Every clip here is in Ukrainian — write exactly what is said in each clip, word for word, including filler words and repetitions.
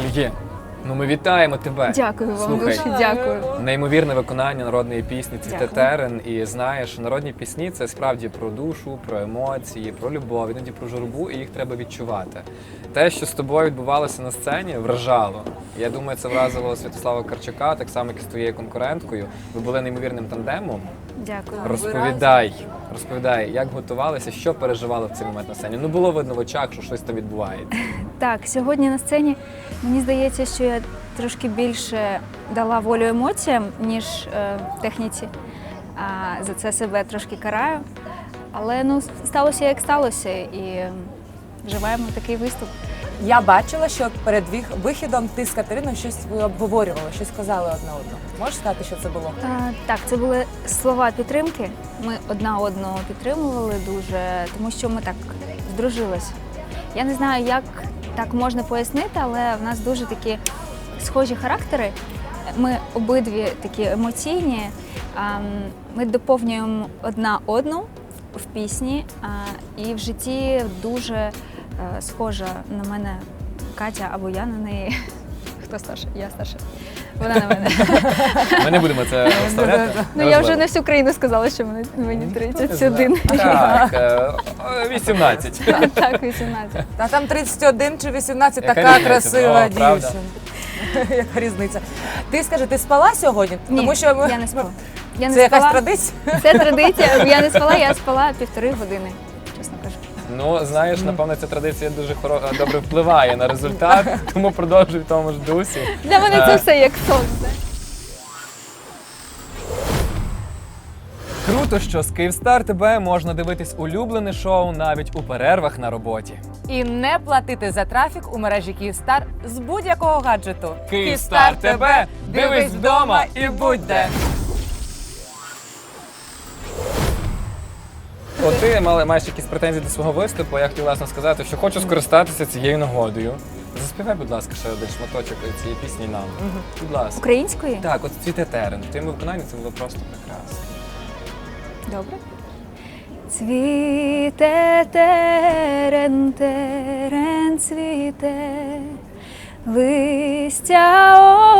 Альє, ну ми вітаємо тебе. Дякую вам Слухай, дуже, дякую. неймовірне виконання народної пісні «Цвіте Дякую. терен». І знаєш, народні пісні – це справді про душу, про емоції, про любов, іноді про журбу, і їх треба відчувати. Те, що з тобою відбувалося на сцені, вражало. Я думаю, це вразило Святослава Карчука, так само, як і з твоєю конкуренткою. Ви були неймовірним тандемом. Дякую. Розповідай, розповідай, як готувалися, що переживали в цей момент на сцені. Ну, було видно в очах, що щось там відбувається. Так, сьогодні на сцені мені здається, що я трошки більше дала волю емоціям, ніж е, техніці. А, за це себе трошки караю. Але ну, сталося як сталося, і вживаємо такий виступ. Я бачила, що перед вих- вихідом ти з Катериною щось ви обговорювали, щось сказали одне одному. Можеш сказати, що це було? А, так, це були слова підтримки. Ми одна одного підтримували дуже, тому що ми так здружились. Я не знаю, як так можна пояснити, але в нас дуже такі схожі характери. Ми обидві такі емоційні. А, Ми доповнюємо одна одну в пісні, а, і в житті дуже е, схожа на мене Катя або я на неї. Хто старший? Я старша. Вона на мене. Ми не будемо це вставляти. Ну я вже на всю країну сказала, що мені, мені тридцять один. Так, е, вісімнадцять. Так, вісімнадцять. Та там тридцять один чи вісімнадцять, Яка така різниця? красива О, правда. дівчина. Яка різниця? Ти скажи, ти спала сьогодні? Ні, Тому що ми... я не спала. Я не Це якась спала. традиція? Це традиція. Я не спала, я спала півтори години, чесно кажу. Ну, знаєш, напевно, ця традиція дуже хоро- добре впливає на результат, тому продовжуй в тому ж дусі. Для мене це все як сон. Круто, що з Київстар ТБ можна дивитись улюблене шоу навіть у перервах на роботі. І не платити за трафік у мережі Київстар з будь-якого гаджету. Київстар ТБ, дивись вдома і будь де. От ти мала- маєш якісь претензії до свого виступу, я хотів власне сказати, що хочу скористатися цією нагодою. Заспівай, будь ласка, ще один шматочок цієї пісні нам. Будь ласка. Української? Так, от «Цвіте терен». В твоєму виконанні це було просто прекрасно. Добре. Цвіте терен, терен цвіте, листя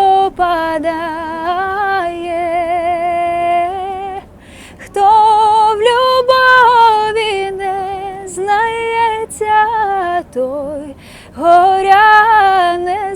опадає. Хто в любові не знається, той горя не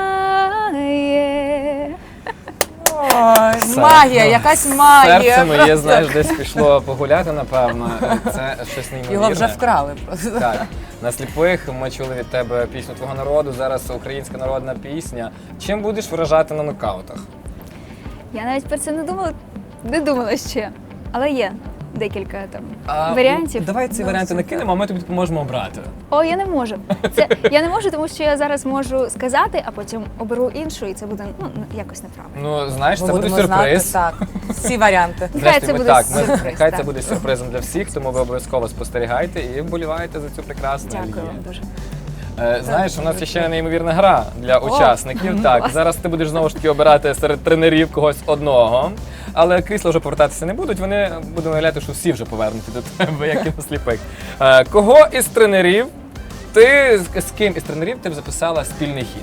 знає. Ой, Все. магія, якась магія. Серце моє, просто. знаєш, десь пішло погуляти, напевно. Це щось неймовірне. Його вже вкрали просто. Так. На сліпих ми чули від тебе пісню твого народу, зараз українська народна пісня. Чим будеш вражати на нокаутах? Я навіть про це не думала, не думала ще, але є декілька там А, варіантів. ну, Давай ці Ну, варіанти все. накинемо, а ми тобі допоможемо обрати. О, я не можу. Це я не можу, тому що я зараз можу сказати, а потім оберу іншу, і це буде ну якось неправильно. Ну, знаєш, Ми це буде будемо сюрприз. знати, так, всі варіанти. Нехай це Зрештою, ми- буде так, ми- сюрприз, Нехай це так. буде сюрпризом для всіх, тому ви обов'язково спостерігайте і вболівайте за цю прекрасну Дякую Алію. вам дуже. Е, Знаєш, у нас є ще неймовірна гра для учасників. Так, зараз ти будеш знову ж таки обирати серед тренерів когось одного, але крісла вже повертатися не будуть. Вони будуть уявляти, що всі вже повернуті до тебе, як і на сліпих. Е, Кого із тренерів ти з з ким із тренерів ти б записала спільний хід?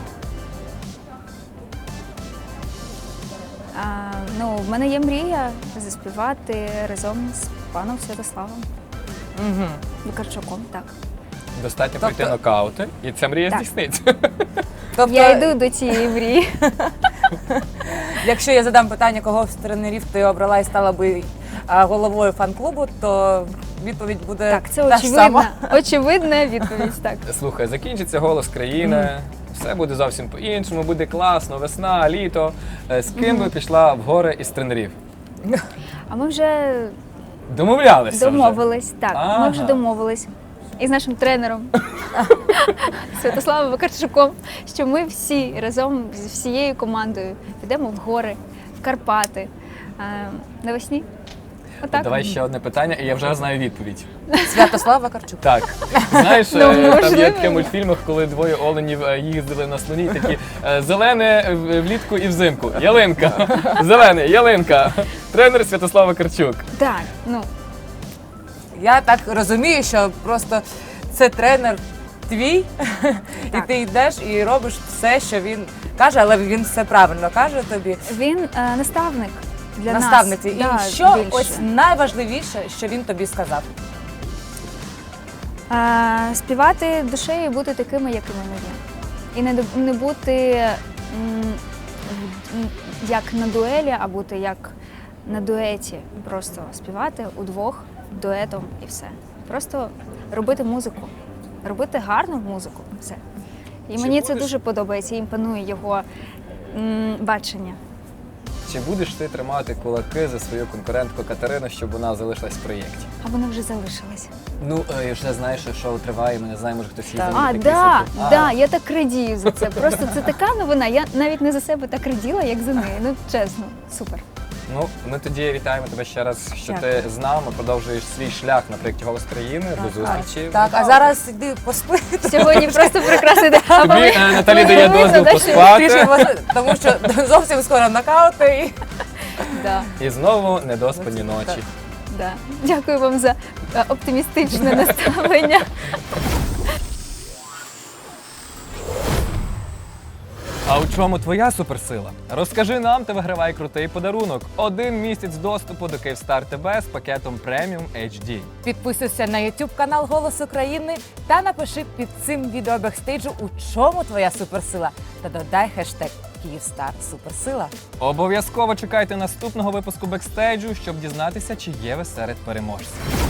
А, ну, в мене є мрія заспівати разом з паном Святославом Угу. Викарчуком. Так. Достатньо Тобто- пройти нокаути, і ця мрія Так. здійсниться. Тобто, Я йду до цієї мрії. якщо я задам питання, кого з тренерів ти обрала і стала би а, головою фан-клубу, то відповідь буде Так, це та ж сама. очевидна, очевидна відповідь. Так. Слухай, закінчиться голос країни, все буде зовсім по-іншому, буде класно, весна, літо. Е, З ким би пішла в гори із тренерів? А ми вже Домовлялися вже? домовились. Так, Ага. ми вже домовились із нашим тренером Святославом Викарчуком, що ми всі разом з всією командою підемо в гори, в Карпати е, навесні. Отак. Давай ще одне питання, і я вже знаю відповідь. Святослав Вакарчук. Так, знаєш, Ну, е, там є можливо. таке в мультфільмах, коли двоє оленів е, їздили на слоні, такі е, зелене в- влітку і взимку. Ялинка, зелене, ялинка. Тренер Святослав Вакарчук. Так, ну Я так розумію, що просто це тренер твій, і Так. ти йдеш і робиш все, що він каже, але він все правильно каже тобі. Він е, наставник для Наставник твій. нас. І Да, що більше. ось найважливіше, що він тобі сказав? Е, співати душею і бути такими, якими ми є. І не, ду- не бути м, в- м, як на дуелі, а бути як на дуеті. Просто співати удвох, дуетом і все. Просто робити музику, робити гарну музику. Все. І Чи мені це будеш- дуже подобається, і імпонує його м, бачення. Чи будеш ти тримати кулаки за свою конкурентку Катерину, щоб вона залишилась в проєкті? А вони вже залишились. Ну, е, вже знаєш, що шоу триває, ми не знаємо, може хтось її Так. замінить, А, якийсь да, такий. А. да, я так радію за це. Просто це така новина. Я навіть не за себе так раділа, як за неї. Ну чесно, супер. Ну, ми тоді вітаємо тебе ще раз, що Дякую. ти з нами продовжуєш свій шлях на проєкті «Голос країни». До зустрічі. Так, а зараз іди поспи. Сьогодні просто прекрасний день. А Тобі ви- е, Наталі дає ви видно, дозвіл да, що- поспати. Трішки поспи, тому що зовсім скоро нокаути. І... Да, І знову недоспані Так. ночі. да. Дякую вам за е, оптимістичне наставлення. А у чому твоя суперсила? Розкажи нам та вигравай крутий подарунок. Один місяць доступу до Київстар ТВ з пакетом преміум ейч ді. Підписуйся на YouTube канал Голос України та напиши під цим відео бекстейджу, у чому твоя суперсила. Та додай хештег Київстар Суперсила. Обов'язково чекайте наступного випуску бекстейджу, щоб дізнатися, чи є ви серед переможців.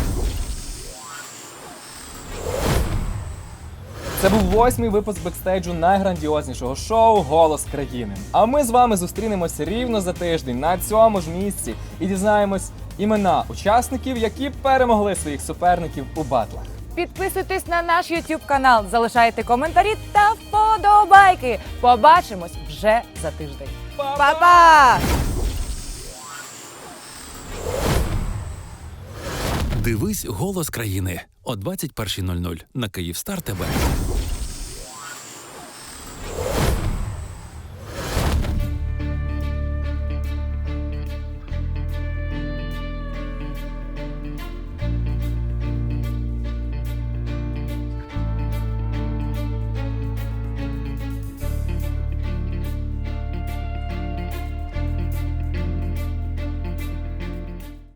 Це був восьмий випуск бекстейджу найграндіознішого шоу «Голос країни». А ми з вами зустрінемося рівно за тиждень на цьому ж місці і дізнаємось імена учасників, які перемогли своїх суперників у батлах. Підписуйтесь на наш YouTube канал, залишайте коментарі та вподобайки. Побачимось вже за тиждень. Па-па! Дивись «Голос країни» о двадцять першій нуль нуль на Київстар ТВ.